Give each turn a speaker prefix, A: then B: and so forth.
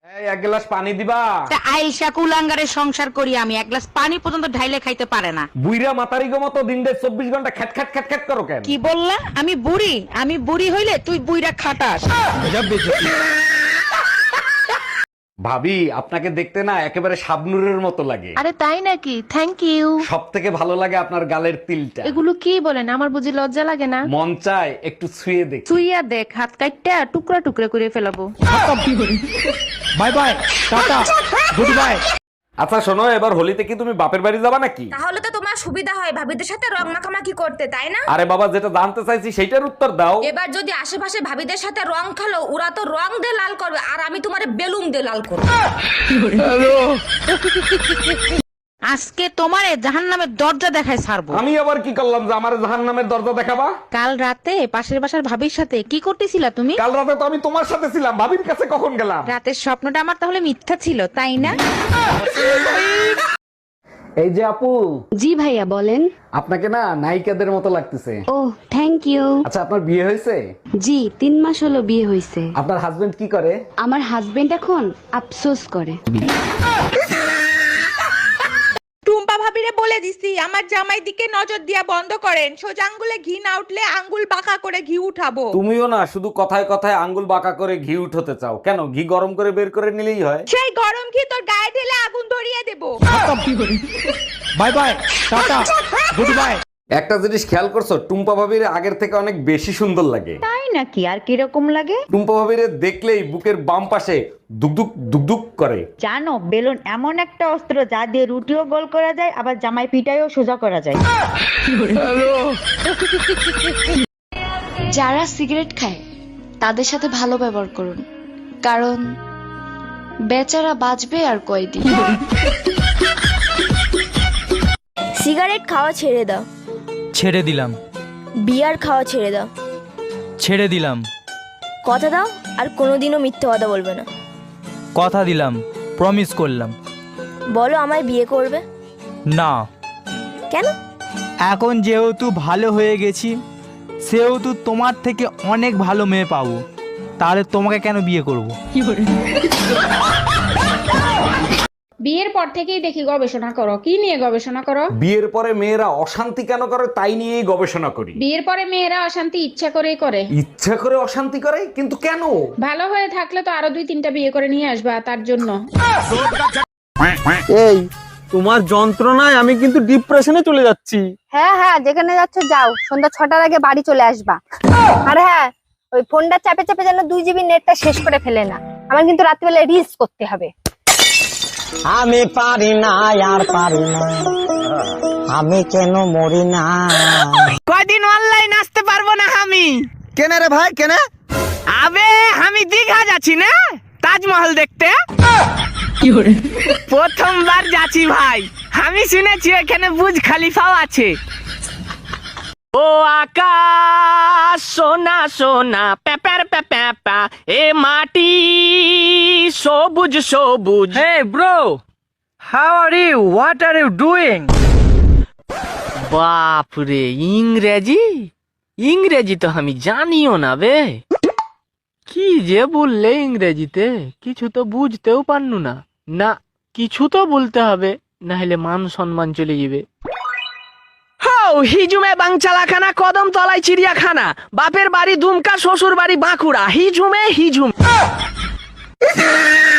A: এই এক গ্লাস পানি দিবা।
B: আইসা কুলাঙ্গারের সংসার করি আমি, এক গ্লাস পানি পর্যন্ত ঢাইলে খাইতে পারে না।
A: বুইরা মাতারি গো মতো দিন দেড় 24 ঘন্টা খ্যাট খ্যাট খ্যাট খ্যাট করো কেন?
B: কি বললা? আমি বুড়ি? আমি বুড়ি হইলে তুই বুইরা খাটাস।
A: ভাবি আপনাকে দেখতে না একেবারে শাবনুরের মতো লাগে।
C: আরে তাই নাকি? Thank you.
A: সব থেকে ভালো লাগে আপনার গালের তিলটা।
C: এগুলো কি বলেন? আমার বুঝি লজ্জা লাগে না?
A: মন চায় একটু ছুঁয়ে দেখ।
C: তুইয়া দেখ, হাত কাটটা টুকরা টুকরা করে ফেলাবো।
A: Bye bye, tata, good bye. আচ্ছা শোনো, এবার হোলিতে কি তুমি বাপের বাড়ি যাবা নাকি?
D: তাহলে তো তোমার সুবিধা হয় ভাবিদের সাথে রং মাখামাখি করতে, তাই না?
A: আরে বাবা, যেটা জানতে চাইছি সেইটার উত্তর দাও।
D: এবার যদি আশেপাশে ভাবিদের সাথে রং খেলো, ওরা তো রং দিয়ে লাল করবে আর আমি তোমারে বেলুন দিয়ে লাল করবো।
B: আজকে তোমারে জাহান্নামের দরজা দেখায় ছাড়বো।
A: আমি আবার কি করলাম যে আমার জাহান্নামের দরজা দেখাবা?
B: কাল রাতে পাশের বাসার ভাবির সাথে কি করতেছিলা তুমি?
A: কাল রাতে তো আমি তোমার সাথে ছিলাম, ভাবির কাছে কখন গেলাম?
B: রাতের স্বপ্নটা আমার তাহলে মিথ্যা ছিল, তাই না?
A: এই যে আপু,
E: জি ভাইয়া বলেন।
A: আপনাকে না নায়িকাদের মতো লাগতেছে।
E: ও থ্যাংক ইউ।
A: আচ্ছা আপনার বিয়ে হয়েছে?
E: জি 3 মাস হলো বিয়ে হয়েছে।
A: আপনার হাজবেন্ড কি করে?
E: আমার হাজবেন্ড এখন আফসোস করে।
F: টুম্পা ভাবিরে বলে দিছি আমার জামাই দিকে নজর দিয়া বন্ধ করেন, সোজা আঙ্গুলে ঘি না উঠলে আঙ্গুল বাঁকা করে ঘি উঠাবো।
A: তুমিও না শুধু কথায় কথায় আঙ্গুল বাঁকা করে ঘি উঠতে চাও কেন? ঘি গরম করে বের করে নিলেই হয়।
F: সেই গরম ঘি তোর গায়ে ঢেলে আগুন ধরিয়ে দেবো।
A: Bye bye, tata, good bye. একটা জিনিস খেয়াল করছো, টুম্পা ভাবির আগের থেকে অনেক বেশি সুন্দর লাগে।
G: তাই নাকি? আর কিরকম লাগে?
A: টুম্পা ভাবির দেখলেই বুকের বাম পাশে দুকদুক দুকদুক করে।
G: জানো, বেলুন এমন একটা অস্ত্র যা দিয়ে রুটিও গোল করা যায়, আবার জামাই পিটাইও সোজা করা যায়।
E: যারা সিগারেট খায় তাদের সাথে ভালো ব্যবহার করুন, কারণ বেচারা বাঁচবে আর কয়দিন।
H: সিগারেট খাওয়া ছেড়ে দাও।
I: ছেড়ে দিলাম।
H: বিয়ার খাওয়া ছেড়ে দাও।
I: ছেড়ে দিলাম।
H: কথা দাও আর কোনোদিনও মিথ্যে কথা বলবে না।
I: কথা দিলাম, প্রমিস করলাম।
H: বলো আমায় বিয়ে করবে?
I: না।
H: কেন?
I: এখন যেহেতু ভালো হয়ে গেছি, সেহেতু তোমার থেকে অনেক ভালো মেয়ে পাবো, তাহলে তোমাকে কেন বিয়ে করব?
J: বিয়ের পর থেকেই দেখি গবেষণা করো। কি নিয়ে গবেষণা করো?
A: বিয়ের পরে মেয়েরা অশান্তি কেন করে তাই নিয়েই গবেষণা করি।
J: বিয়ের পরে মেয়েরা অশান্তি ইচ্ছা করেই করে।
A: ইচ্ছা করে অশান্তি করে? কিন্তু কেন?
J: ভালো হয়ে থাকলে তো আরো 2-3টা বিয়ে করে নিয়ে আসবা, তার জন্য।
K: এই তোমার যন্ত্রণায় আমি কিন্তু ডিপ্রেশনে চলে যাচ্ছি।
L: হ্যাঁ হ্যাঁ, যেখানে যাচ্ছ যাও, সন্ধ্যা 6টার আগে বাড়ি চলে আসবা। আর হ্যাঁ, ওই ফোনটা চাপে চাপে যেন 2 জিবি নেটটা শেষ করে ফেলে না। আমার কিন্তু রাত্রিবেলা রিলস করতে হবে।
K: আমি পারি না আর পারি না, আমি কেন মরি না।
F: কয়দিন অনলাইন আসতে পারবো না আমি।
K: কেন রে ভাই, কেন?
F: আবে আমি দীঘা যাচ্ছি না তাজমহল দেখতে। প্রথমবার যাচ্ছি ভাই। আমি শুনেছি এখানে বুর্জ খলিফাও আছে। ও আকাশ সোনা সোনা পেপার পেপা, এ মাটি সবুজ সবুজ। Hey bro, how are you? What are you doing? বাপ রে, ইংরেজি ইংরেজি তো আমি জানিও না বে। কি যে বললে ইংরেজিতে, কিছু তো বুঝতেও পারনু না। না, কিছু তো বলতে হবে, না হলে মান সম্মান চলে যাবে। হিজুমে বাংচালাখানা, কদম তলায় চিড়িয়াখানা, বাপের বাড়ি দুমকা, শ্বশুর বাড়ি বাঁকুড়া, হিজুমে হিজুম।